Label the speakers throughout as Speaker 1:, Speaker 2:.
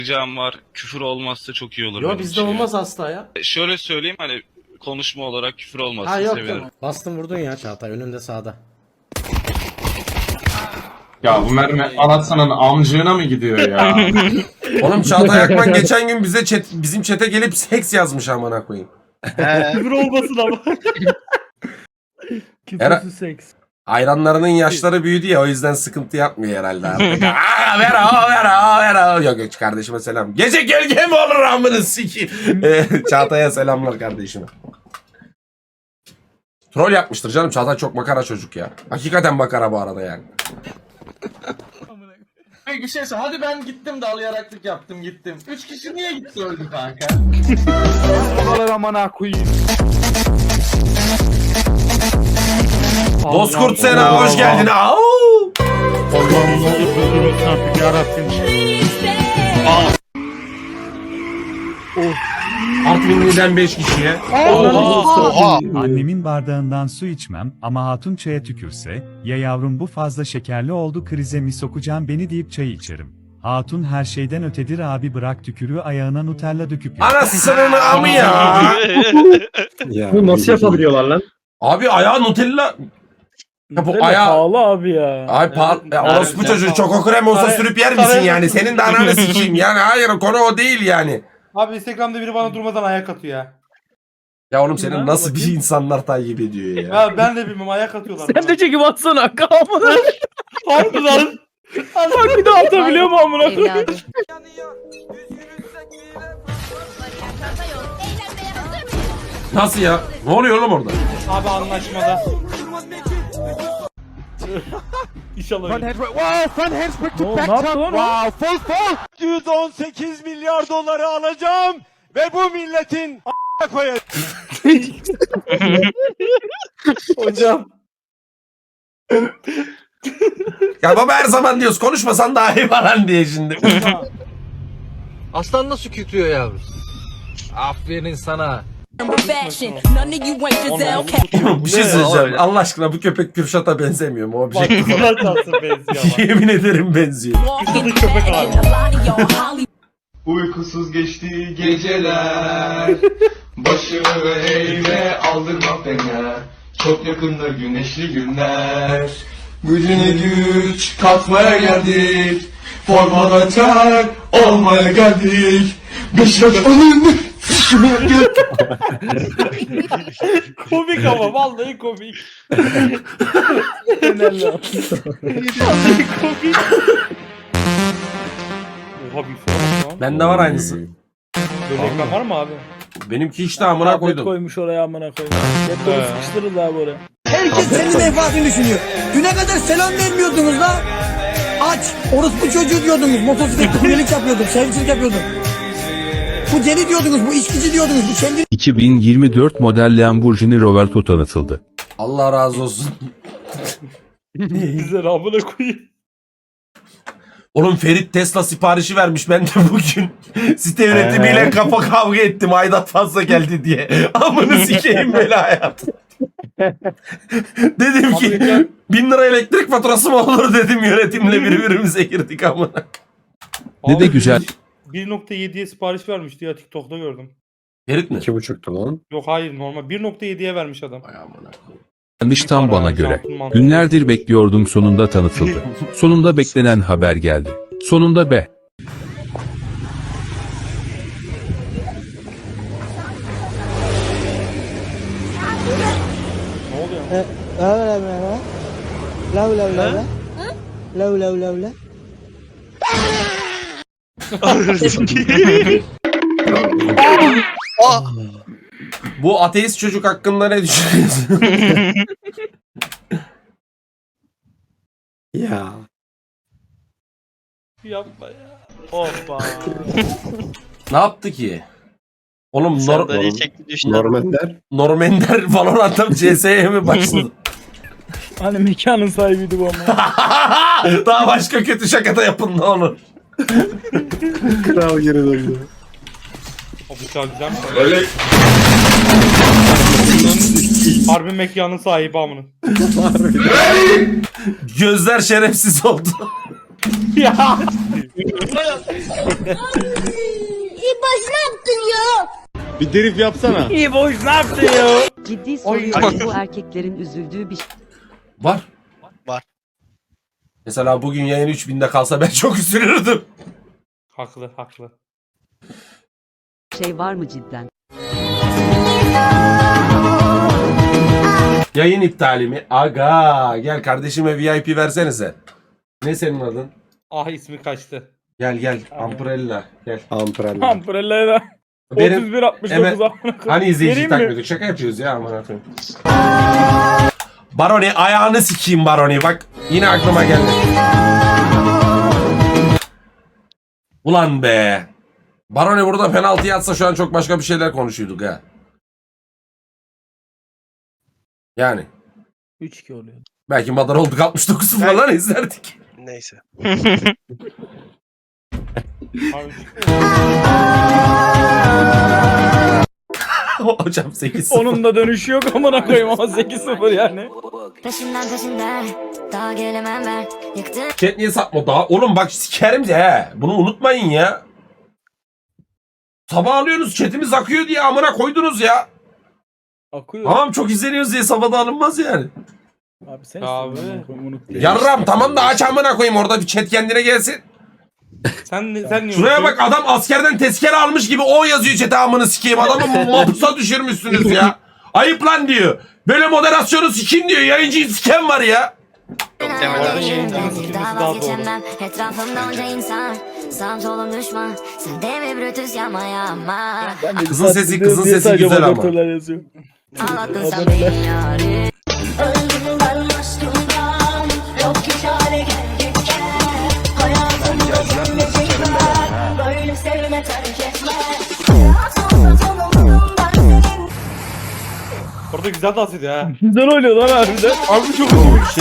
Speaker 1: Ricam var. Küfür olmazsa çok iyi olur.
Speaker 2: Yok
Speaker 1: benim
Speaker 2: bizde
Speaker 1: için
Speaker 2: olmaz asla ya.
Speaker 1: Şöyle söyleyeyim hani konuşma olarak küfür olmazsa
Speaker 2: Ha yok
Speaker 1: sevinirim.
Speaker 2: yok. Bastın vurdun ya Çağatay önünde sağda.
Speaker 3: Ya bu mermi anasının amcığına mı gidiyor ya?
Speaker 4: Oğlum Çağatay Akman geçen gün bizim chat'e gelip seks yazmış amına koyayım.
Speaker 5: Küfür olmasın ama. Küfürsüz seks.
Speaker 4: Ayranlarının yaşları büyüdü ya o yüzden sıkıntı yapmıyor herhalde artık. Aa, ver o. Yok kardeşime selam. Gece gölge mi olur amını sikeyim. Çağatay'a selamlar kardeşime. Troll yapmıştır canım. Çağatay çok makara çocuk ya. Hakikaten makara bu arada yani.
Speaker 6: Bir şey söyle. Hadi ben gittim de alayaraklık yaptım gittim. 3 kişi niye gitti öldü kanka?
Speaker 4: Bozkurt Sena hoş geldin. Au!
Speaker 5: Allah'ım ne olur öldürmesin artık yarabbim.
Speaker 4: Artvinli'den 5 kişiye.
Speaker 7: Annemin bardağından su içmem ama hatun çaya tükürse, ya yavrum bu fazla şekerli oldu krize mi sokacağım beni deyip çay içerim. Hatun her şeyden ötedir abi bırak tükürüğü ayağına Nutella döküp yer.
Speaker 4: Anasının amı ya.
Speaker 5: Bu nasıl yapabiliyorlar lan?
Speaker 4: Abi ayağı Nutella. Ya bu ayağı...
Speaker 5: Pahalı abi ya.
Speaker 4: Ay orospu çocuğu çoko krem olsa sürüp yer misin yani? Senin de ananı sikeyim yani. Hayır konu o değil yani.
Speaker 8: Abi Instagram'da biri bana durmadan ayak atıyor ya.
Speaker 4: Ya oğlum senin nasıl bir insanlar takip ediyor ya?
Speaker 8: Ya ben de bilmem ayak atıyorlar.
Speaker 5: Sen de çekip atsana kamını. Harbi lan. Bak bir de atabiliyor mu amına koyayım?
Speaker 9: Evladım.
Speaker 4: Nasıl ya? Ne oluyor oğlum orada?
Speaker 8: Abi anlaşmada.
Speaker 5: İnşallah. Ne yaptı lan o?
Speaker 6: 118 milyar doları alacağım ve bu milletin koyacağım.
Speaker 5: Hocam.
Speaker 4: Ya baba her zaman diyoruz konuşmasan daha iyi falan diye şimdi.
Speaker 6: Aslan nasıl kükrüyor yavrum? Aferin sana.
Speaker 4: Bir şey söyleyeceğim. Allah aşkına bu köpek Kürşat'a benzemiyor mu? Objektif olarak.
Speaker 5: Güzel tatlı benziyor ama.
Speaker 4: Yemin ederim benziyor.
Speaker 5: Kızıl köpek abi.
Speaker 3: Uykusuz geçti geceler. Başımı eğme aldırma fener. Çok yakında güneşli günler. Gücüne güç katmaya geldik. Formana ter olmaya geldik. Beşiktaş önünde.
Speaker 8: Komik ama vallahi komik.
Speaker 5: Önemli.
Speaker 8: Komik. Oha bir falan.
Speaker 4: Bende var aynısı.
Speaker 8: Böyle ekran var mı abi?
Speaker 4: Benimki işte amına koydum.
Speaker 5: Koymuş oraya amına koymuş. Hep böyle sıkıştırırlar abi oraya.
Speaker 10: Herkes senin menfaatini düşünüyor. Düne kadar selam vermiyordunuz la. Aç. Orospu çocuğu diyordunuz. Motosiklet kuryelik yapıyordum. Servislik yapıyordum. Bu deli diyordunuz. Bu içkici diyordunuz. Bu kendi...
Speaker 11: 2024 model Lamborghini Roverto tanıtıldı.
Speaker 4: Allah razı olsun.
Speaker 5: Güzel amına koyayım.
Speaker 4: Oğlum Ferit Tesla siparişi vermiş. Ben de bugün site yönetimiyle kafa kavga ettim. Aidat fazla geldi diye. Amını sikeyim böyle hayat. Dedim ki 1000 lira elektrik faturası mı olur dedim yönetimle birbirimize girdik amına.
Speaker 11: Ne de güzel.
Speaker 8: 1.7'ye sipariş vermişti ya TikTok'ta gördüm.
Speaker 4: Ferit mi?
Speaker 2: 2.5'tu lan.
Speaker 8: Yok hayır normal 1.7'ye vermiş adam.
Speaker 4: Ay amına koyayım.
Speaker 11: Yanlış tam bana göre. Günlerdir bekliyordum sonunda tanıtıldı. Sonunda beklenen haber geldi. Sonunda be.
Speaker 8: Ne oluyor?
Speaker 4: Bu ateist çocuk hakkında ne düşünüyorsun?
Speaker 2: Ya.
Speaker 8: Yapma ya. Hoppa.
Speaker 4: Ne yaptı ki? Oğlum
Speaker 2: Normanler.
Speaker 4: Normender Valorant'ta CS'ye mi başladı?
Speaker 5: Hani mekanın sahibiydi bu ama.
Speaker 4: Daha başka kötü şaka da yapın ne olur.
Speaker 2: Kral geri döndü.
Speaker 8: O bıçağı güzel mi?
Speaker 3: Öyle
Speaker 8: Harbi mekanın sahibi amının.
Speaker 4: Gözler şerefsiz oldu.
Speaker 8: Ya.
Speaker 10: İboş ne yaptın ya?
Speaker 6: Bir drift yapsana.
Speaker 8: İyi boş ne yaptın ya?
Speaker 9: Ciddi soruyorum, bu erkeklerin üzüldüğü bir
Speaker 4: Var.
Speaker 1: Var.
Speaker 4: Mesela bugün yayın 3000'de kalsa ben çok üzülürdüm.
Speaker 8: Haklı haklı.
Speaker 9: şey var mı cidden?
Speaker 4: Yayın iptali mi? Aga gel kardeşime VIP versenize. Ne senin adın?
Speaker 8: Ah ismi kaçtı.
Speaker 4: Gel Amprella gel.
Speaker 2: Amprella.
Speaker 8: Amprella'ya
Speaker 4: Benim
Speaker 8: 31 69
Speaker 4: hemen-
Speaker 8: amına koyayım.
Speaker 4: Hani izleyici
Speaker 8: Vereyim mi?
Speaker 4: takmıyorduk şaka yapıyoruz ya aman akıyım. Baroni ayağını sikeyim Baroni bak yine aklıma geldi. Ulan be. Baroni burada penaltı atsa şu an çok başka bir şeyler konuşuyorduk ha. Yani.
Speaker 5: 3-2 oluyor.
Speaker 4: Belki madar olduk 69 falan izlerdik.
Speaker 1: Neyse.
Speaker 8: Abi,
Speaker 4: Hocam 8-0.
Speaker 5: Onun da dönüşü yok amına koyayım ama 8-0 yani.
Speaker 10: Peşinden daha gelemem ben. Yıktın.
Speaker 4: Chat niye satma daha? Oğlum bak sikerim de he. Bunu unutmayın ya. Sabah alıyorsunuz chatimiz akıyor diye amına koydunuz ya.
Speaker 5: Akıyor.
Speaker 4: Tamam çok izleniyoruz diye sabahda alınmaz yani.
Speaker 5: Abi sen
Speaker 8: Abi.
Speaker 4: Yarram tamam da aç amına koyayım orada bir chat kendine gelsin.
Speaker 8: sen niye
Speaker 4: Şuraya
Speaker 8: unutuyorsun?
Speaker 4: bak adam askerden tezkere almış gibi o yazıyor chat'e amını sikeyim. Adamı mahpusa düşürmüşsünüz ya. Ayıp lan diyor. Böyle moderasyonu sikin diyor. Yayıncıyı siken var ya.
Speaker 8: Orada yayıncının sıkılması daha doğru.
Speaker 10: Etrafımda onca insan. Sağım solum düşman. Sen de mi Brutus yapma yapma.
Speaker 4: Kızın sesi güzel ama.
Speaker 10: Ağlattın sen beni yarim. Öldüm ben aşkımdan. Yok hiç hale gel git gel. Hayatımda cennetlik var. Böyle sevme terk etme.
Speaker 8: Orada güzel dans ediyor ha.
Speaker 5: Güzel oynuyor lan harbiden.
Speaker 8: Abi çok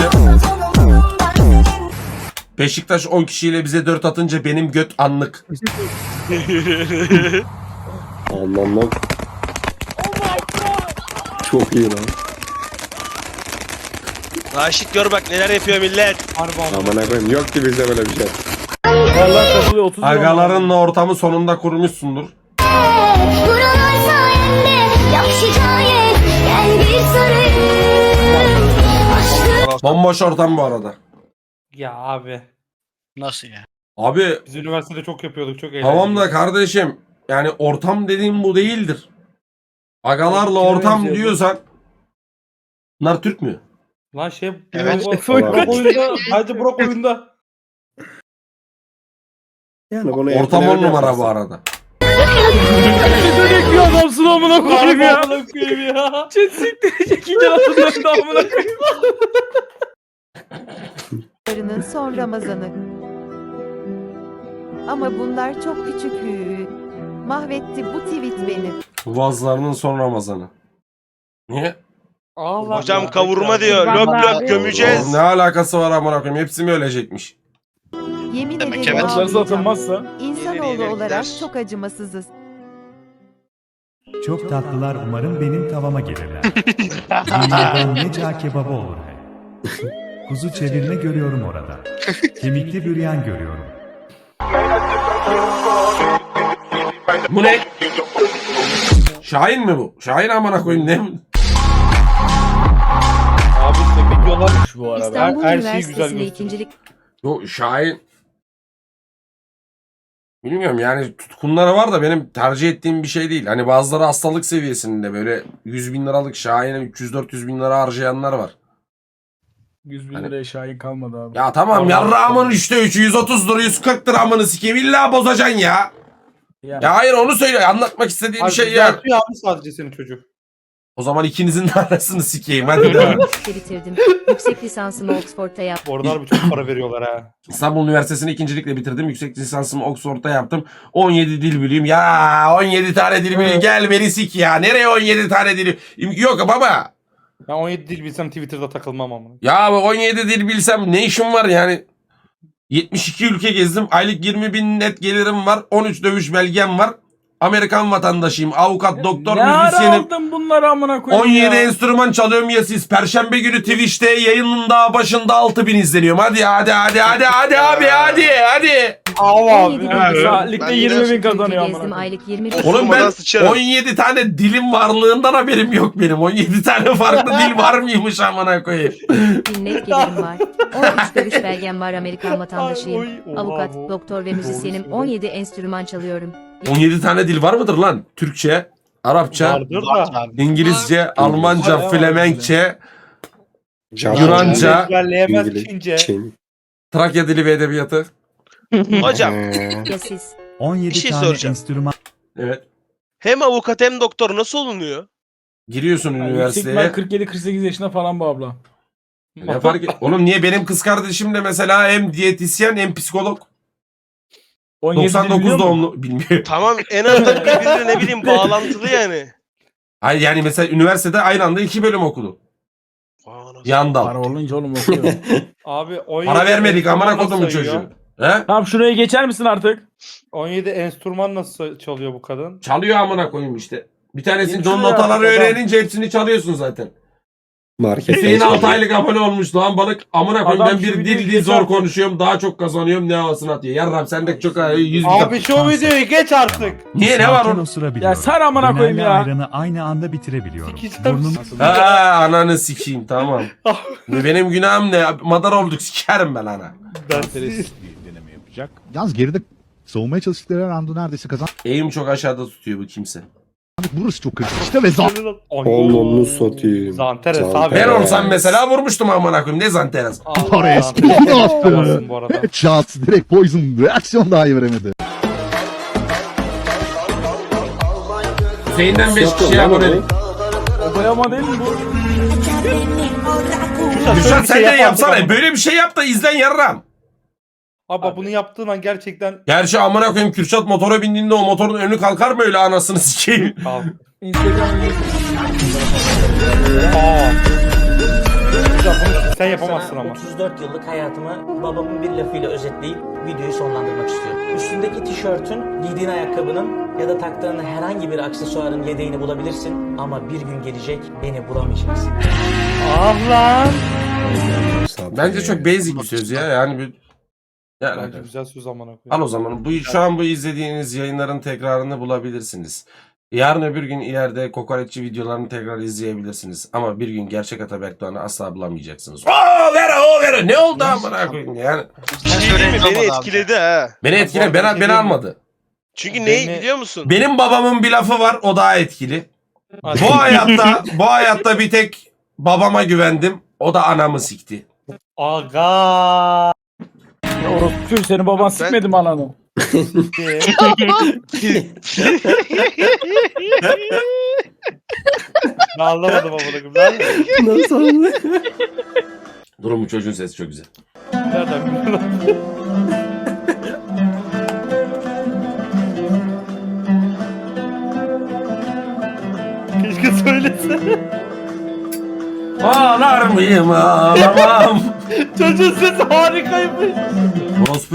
Speaker 4: Beşiktaş 10 kişiyle bize 4 atınca benim göt anlık.
Speaker 2: Allah. Çok iyi lan.
Speaker 1: Raşit gör bak neler yapıyor millet.
Speaker 8: harbi abi.
Speaker 2: Aman koyayım yok ki bizde böyle bir şey.
Speaker 5: Vallahi katılıyor 30
Speaker 4: Agalarınla ortamı sonunda kurmuşsundur.
Speaker 10: Buralar sayende yok şikayet. Gel bir sarayım. Aşkım.
Speaker 4: Bomboş ortam bu arada.
Speaker 8: Ya abi.
Speaker 1: Nasıl ya?
Speaker 4: Abi
Speaker 8: Biz üniversitede çok yapıyorduk çok eğlenceli.
Speaker 4: tamam da kardeşim yani ortam dediğim bu değildir. Agalarla ortam
Speaker 5: benziyor bu.
Speaker 4: diyorsan bunlar Türk mü?
Speaker 8: Lan şey
Speaker 1: Evet.
Speaker 8: Burak oyunda. Sadece Burak oyunda.
Speaker 2: Yani bunu
Speaker 4: Ortam 10
Speaker 2: etkileri
Speaker 4: numara
Speaker 2: yaparsın.
Speaker 4: bu arada.
Speaker 5: bir adamsın amına koyayım
Speaker 8: Harbi
Speaker 5: ya.
Speaker 8: amına koyayım ya.
Speaker 5: Chat siktirecek iyice atıldı amına koyayım.
Speaker 9: Son Ramazanı. Ama bunlar çok küçük. Mahvetti bu tweet beni.
Speaker 4: Vazlarının son Ramazanı. Niye?
Speaker 8: Allah
Speaker 1: Hocam
Speaker 8: ya.
Speaker 1: kavurma diyor. Löp löp gömeceğiz.
Speaker 4: Ne alakası var amına koyayım? Hepsi mi ölecekmiş?
Speaker 9: Yemin
Speaker 1: Demek
Speaker 9: ederim
Speaker 1: evet.
Speaker 5: Atlarsa
Speaker 9: ağlayacağım.
Speaker 5: atılmazsa.
Speaker 9: İnsanoğlu
Speaker 1: İleri
Speaker 9: olarak
Speaker 1: gider.
Speaker 9: çok acımasızız.
Speaker 7: Çok tatlılar umarım benim tavama gelirler. Dünyada ne cağ kebabı olur he. Kuzu çevirme görüyorum orada. Kemikli büryan görüyorum.
Speaker 4: Bu ne? Şahin mi bu? Şahin amına koyayım ne?
Speaker 8: Abi işte videolar
Speaker 5: Bu arada.
Speaker 9: İstanbul
Speaker 8: her şeyi güzel
Speaker 9: Üniversitesi'nde
Speaker 8: gösteriyor.
Speaker 9: ikincilik
Speaker 4: Yo Şahin bilmiyorum yani tutkunları var da benim tercih ettiğim bir şey değil. Hani bazıları hastalık seviyesinde böyle 100 bin liralık Şahin'e 300-400 bin lira harcayanlar var.
Speaker 5: 100 bin
Speaker 4: Hani-
Speaker 5: liraya şahin kalmadı abi.
Speaker 4: Ya tamam yarrağımın işte 3'ü 130 lira 140 liramını sikeyim illa bozacaksın ya.
Speaker 5: Yani.
Speaker 4: Ya hayır onu söyle anlatmak istediğim
Speaker 8: Abi
Speaker 4: şey ya.
Speaker 8: yapıyor abi sadece senin çocuk.
Speaker 4: O zaman ikinizin de arasını sikeyim hadi devam.
Speaker 9: bitirdim. Yüksek lisansımı Oxford'da yaptım.
Speaker 8: Bu arada abi çok para veriyorlar ha.
Speaker 4: İstanbul Üniversitesi'ni ikincilikle bitirdim. Yüksek lisansımı Oxford'da yaptım. 17 dil bileyim. Ya 17 tane dil bileyim. Gel beni sik ya. Nereye 17 tane dil? Yok baba.
Speaker 8: Ben 17 dil bilsem Twitter'da takılmam ama.
Speaker 4: Ya 17 dil bilsem ne işim var yani? 72 ülke gezdim. Aylık 20 bin net gelirim var. 13 dövüş belgem var. Amerikan vatandaşıyım. Avukat, doktor,
Speaker 5: Ne ara
Speaker 4: müzisyenim.
Speaker 5: aldın bunları amına koyayım
Speaker 4: 17
Speaker 5: ya?
Speaker 4: enstrüman çalıyorum ya siz. Perşembe günü Twitch'te yayının daha başında 6000 izleniyorum. Hadi abi hadi.
Speaker 8: Ama
Speaker 9: 17 bin
Speaker 5: Saatlikte
Speaker 1: Ben
Speaker 5: 20 bin
Speaker 9: Ülke
Speaker 5: kazanıyor
Speaker 9: gezdim
Speaker 5: amına.
Speaker 9: aylık 20 bin.
Speaker 4: Oğlum ben
Speaker 1: Durmadan sıçarım.
Speaker 4: 17 tane dilim varlığından haberim yok benim. 17 tane farklı dil var mıymış amına koyayım.
Speaker 9: Net gelirim var. 13 dövüş belgem var, Amerikan vatandaşıyım.
Speaker 8: Oy, oha
Speaker 9: Avukat,
Speaker 8: bu.
Speaker 9: doktor ve müzisyenim. 17 enstrüman çalıyorum.
Speaker 4: 17 tane dil var mıdır lan? Türkçe, Arapça,
Speaker 8: Vardır
Speaker 1: Var
Speaker 8: da.
Speaker 1: abi.
Speaker 4: İngilizce, Almanca,
Speaker 5: Var.
Speaker 4: Flemenkçe,
Speaker 2: Japonca,
Speaker 4: Yunanca,
Speaker 8: Ezberleyemez
Speaker 2: İngiliz,
Speaker 8: Çince.
Speaker 2: Çin.
Speaker 4: Trakya dili ve edebiyatı.
Speaker 1: Hocam
Speaker 9: Ya siz?
Speaker 7: 17
Speaker 1: Bir şey
Speaker 7: tane
Speaker 1: soracağım.
Speaker 7: enstrüman
Speaker 4: Evet.
Speaker 1: hem avukat hem doktor nasıl olunuyor?
Speaker 4: Giriyorsun
Speaker 5: Yani
Speaker 4: üniversiteye.
Speaker 5: yüksek ihtimal 47-48 yaşında falan bu abla.
Speaker 4: Ne fark et? Oğlum niye benim kız kardeşim de mesela hem diyetisyen hem psikolog.
Speaker 5: 17 biliyor
Speaker 4: 99
Speaker 5: musun?
Speaker 4: doğumlu bilmiyorum.
Speaker 1: Tamam en azından birbirine ne bileyim bağlantılı yani.
Speaker 4: Ay yani mesela üniversitede aynı anda 2 bölüm okudu.
Speaker 1: Aa, nasıl-
Speaker 4: Yan
Speaker 5: Para
Speaker 4: dal.
Speaker 5: olunca oğlum okuyor.
Speaker 8: Abi 17
Speaker 4: Para vermedik amına
Speaker 8: enstrüman
Speaker 4: kodumun
Speaker 8: nasıl
Speaker 4: çocuğu.
Speaker 8: sayıyor?
Speaker 4: He?
Speaker 5: Tamam şuraya geçer misin artık?
Speaker 8: 17 enstrüman nasıl çalıyor bu kadın?
Speaker 4: Çalıyor amına koyayım işte. Bir tanesini
Speaker 5: Geçiyor
Speaker 4: John
Speaker 5: ya,
Speaker 4: notaları
Speaker 5: adam.
Speaker 4: öğrenince hepsini çalıyorsun zaten.
Speaker 2: Marketten
Speaker 4: Hüseyin
Speaker 2: çalıyor.
Speaker 4: 6 aylık abone olmuş lan balık. Amına koyayım
Speaker 5: Adam
Speaker 4: ben
Speaker 5: şu
Speaker 4: bir
Speaker 5: videoyu
Speaker 4: dil zor
Speaker 5: geçerken-
Speaker 4: konuşuyorum. Daha çok kazanıyorum ne havasını atıyor. Yarram sendeki çok 100 bin.
Speaker 8: Abi şu videoyu geç artık.
Speaker 4: Niye ne var
Speaker 7: sakin
Speaker 4: onun?
Speaker 7: osurabiliyorum.
Speaker 5: Ya sar amına koyayım
Speaker 7: Dönerle
Speaker 5: ya.
Speaker 7: ayranı aynı anda bitirebiliyorum.
Speaker 8: Sikeceğim.
Speaker 7: Burnum
Speaker 4: Ha ananı sikeyim tamam. Benim günahım ne? Madar olduk sikerim ben ana.
Speaker 6: deneme yapacak.
Speaker 12: Yalnız geride savunmaya çalıştıkları anda neredeyse kazandık.
Speaker 4: Eğim çok aşağıda tutuyor bu kimse.
Speaker 12: Burası çok kritik işte ve
Speaker 2: Onunu satayım.
Speaker 8: Zanteres
Speaker 2: Zanteres.
Speaker 8: abi.
Speaker 4: Ben olsam mesela vurmuştum amına koyayım. Ne zanteres?
Speaker 12: Torres.
Speaker 8: Zanteres bu arada.
Speaker 12: Shots direkt Poison reaksiyon dahi veremedi.
Speaker 4: Hüseyin'den 5
Speaker 2: Yaptın
Speaker 4: kişi
Speaker 2: lan
Speaker 4: abonelik.
Speaker 2: onu.
Speaker 5: O boyama değil mi bu?
Speaker 4: Gülşen sen de
Speaker 8: yapardık
Speaker 4: yapsana.
Speaker 8: ama.
Speaker 4: Böyle bir şey yap da izlen yarram.
Speaker 8: Abi bunu yaptığın an gerçekten
Speaker 4: Gerçi amına koyayım Kürşat motora bindiğinde o motorun önü kalkar mı öyle anasını sikeyim?
Speaker 8: kalk.
Speaker 5: Instagram'ı
Speaker 8: Aa. Güzel bunu sen yapamazsın ama.
Speaker 10: 34 yıllık hayatımı babamın bir lafıyla özetleyip videoyu sonlandırmak istiyorum. Üstündeki tişörtün, giydiğin ayakkabının ya da taktığın herhangi bir aksesuarın yedeğini bulabilirsin ama bir gün gelecek beni bulamayacaksın.
Speaker 8: Ah lan.
Speaker 4: Bence çok basic bir söz ya. Yani bir... Ya,
Speaker 8: Bence güzel söz amına koyayım.
Speaker 4: al o zaman. Şu an bu izlediğiniz yayınların tekrarını bulabilirsiniz. Yarın öbür gün ileride kokoreççi videolarını tekrar izleyebilirsiniz. Ama bir gün gerçek Ataberk Doğan'ı asla bulamayacaksınız. Oo Vera. Ne oldu amına koyayım yani.
Speaker 1: Bir şey diyeyim mi? Beni etkiledi ha.
Speaker 4: Beni etkile beni almadı.
Speaker 1: Çünkü
Speaker 8: Beni-
Speaker 1: neyi biliyor musun?
Speaker 4: Benim babamın bir lafı var o daha etkili.
Speaker 8: Hadi.
Speaker 4: Bu hayatta bir tek babama güvendim. O da anamı sikti.
Speaker 8: Aga.
Speaker 5: Orospu senin baban sikmedi mi ananı?
Speaker 8: Ben anlamadım amına koyayım.
Speaker 2: Nasıl?
Speaker 4: Durun bu çocuğun sesi çok güzel.
Speaker 8: Nereden biliyorsun? Keşke söylese.
Speaker 4: Ağlar mıyım ağlamam.
Speaker 8: Çocuğun sesi harikaymış.
Speaker 4: Orospu